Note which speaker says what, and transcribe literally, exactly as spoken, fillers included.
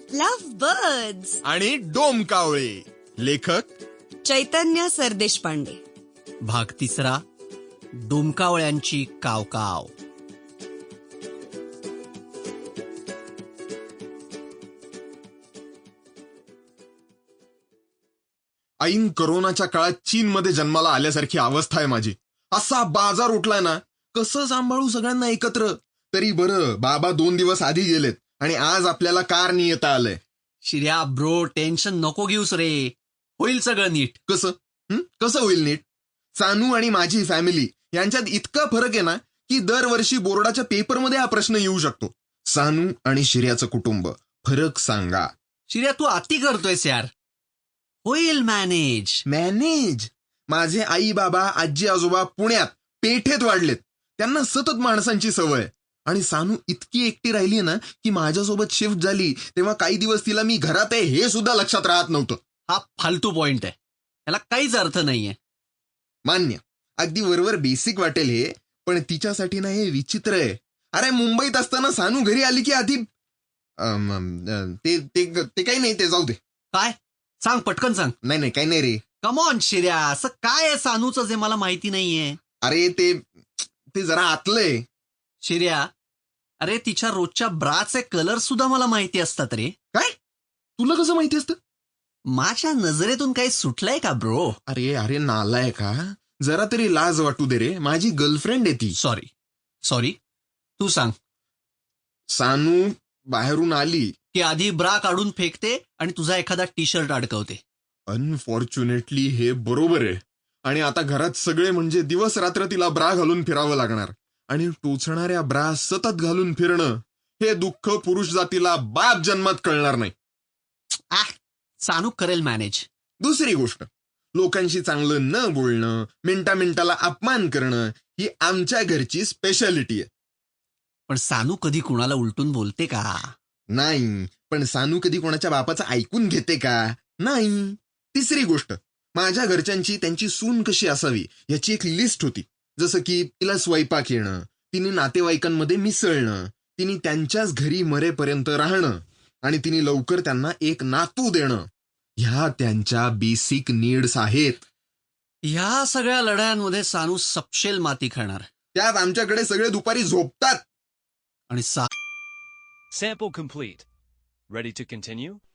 Speaker 1: Love birds
Speaker 2: आणि डोमकावळे. लेखक
Speaker 1: चैतन्य सरदेशपांडे.
Speaker 3: भाग तिसरा, डोमकावळ्यांची कावकाव.
Speaker 2: ऐन करोनाच्या काळात चीनमध्ये जन्माला आल्यासारखी अवस्था आहे माझी. असा बाजार उठलाय ना, कसं सांभाळू सगळ्यांना एकत्र. तरी बरं, बाबा दोन दिवस आधी गेलेत आणि आज आपल्याला कार येता आलंय.
Speaker 3: शिर्या ब्रो, टेन्शन नको घेऊस रे, होईल सगळं नीट.
Speaker 2: कसं हं? कसं होईल नीट? सानू आणि माझी फॅमिली यांच्यात इतका फरक आहे ना की दरवर्षी बोर्डाच्या पेपरमध्ये हा प्रश्न येऊ शकतो. सानू आणि शिर्याचं कुटुंब, फरक सांगा.
Speaker 3: शिर्या तू अति करतोयस यार, होईल मॅनेज.
Speaker 2: मॅनेज? माझे आई बाबा आजी आजोबा पुण्यात पेठेत वाढलेत, त्यांना सतत माणसांची सवय. आणि सानू इतकी एकटी राहिली ना की माझ्यासोबत शिफ्ट झाली तेव्हा काही दिवस तिला मी घरात आहे हे सुद्धा लक्षात राहत नव्हतं.
Speaker 3: हा फालतू पॉइंट आहे, याला काहीच अर्थ नाहीये.
Speaker 2: मान्य, अगदी वरवर बेसिक वाटेल हे, पण तिच्यासाठी ना हे विचित्र आहे. अरे मुंबईत असताना सानू घरी आली की आधी अम, अम, ते ते ते काही नाही, ते जाऊ दे.
Speaker 3: काय सांग, पटकन सांग.
Speaker 2: नाही नाही काही नाही रे.
Speaker 3: कम ऑन शिर्या, असं काय आहे सानूचं जे मला माहिती नाहीये?
Speaker 2: अरे ते ते जरा आतलंय.
Speaker 3: शिर्या, अरे तिच्या रोजच्या ब्राचे कलर सुद्धा मला माहिती असतात रे.
Speaker 2: काय? तुला कसं माहिती असतं?
Speaker 3: माझ्या नजरेतून काही सुटलंय का ब्रो?
Speaker 2: अरे अरे नालाय का, जरा तरी लाज वाटू दे रे, माझी गर्लफ्रेंड आहे ती.
Speaker 3: सॉरी सॉरी तू सांग.
Speaker 2: सानू बाहेरून आली
Speaker 3: की आधी ब्रा काढून फेकते आणि तुझा एखादा टी शर्ट अडकवते.
Speaker 2: अनफॉर्च्युनेटली हे बरोबर आहे. आणि आता घरात सगळे म्हणजे दिवस रात्र तिला ब्रा घालून फिरावं लागणार. आणि टोचणाऱ्या ब्रा सतत घालून फिरणं हे दुःख पुरुष जातीला बाप जन्मात कळणार नाही.
Speaker 3: आ सानू करेल मॅनेज.
Speaker 2: दुसरी गोष्ट, लोकांशी चांगलं न बोलणं, मिनिटा मिनिटाला अपमान करणं ही आमच्या घरची स्पेशालिटी आहे.
Speaker 3: पण सानू कधी कुणाला उलटून बोलते का?
Speaker 2: नाही. पण सानू कधी कोणाच्या बापाचं ऐकून घेते का? नाही. तिसरी गोष्ट, माझ्या घरच्यांची त्यांची सून कशी असावी याची एक लिस्ट होती. जसं की तिला स्वयंपाक येणं, तिने नातेवाईकांमध्ये मिसळणं, तिने त्यांच्याच घरी मरेपर्यंत राहणं आणि तिने लवकर त्यांना एक नातू देणं. ह्या त्यांच्या बेसिक नीड्स आहेत.
Speaker 3: ह्या सगळ्या लढायांमध्ये सानू सपशेल माती खाणार.
Speaker 2: त्यात आमच्याकडे सगळे दुपारी झोपतात.
Speaker 3: आणि सा
Speaker 4: Sample complete. Ready to continue?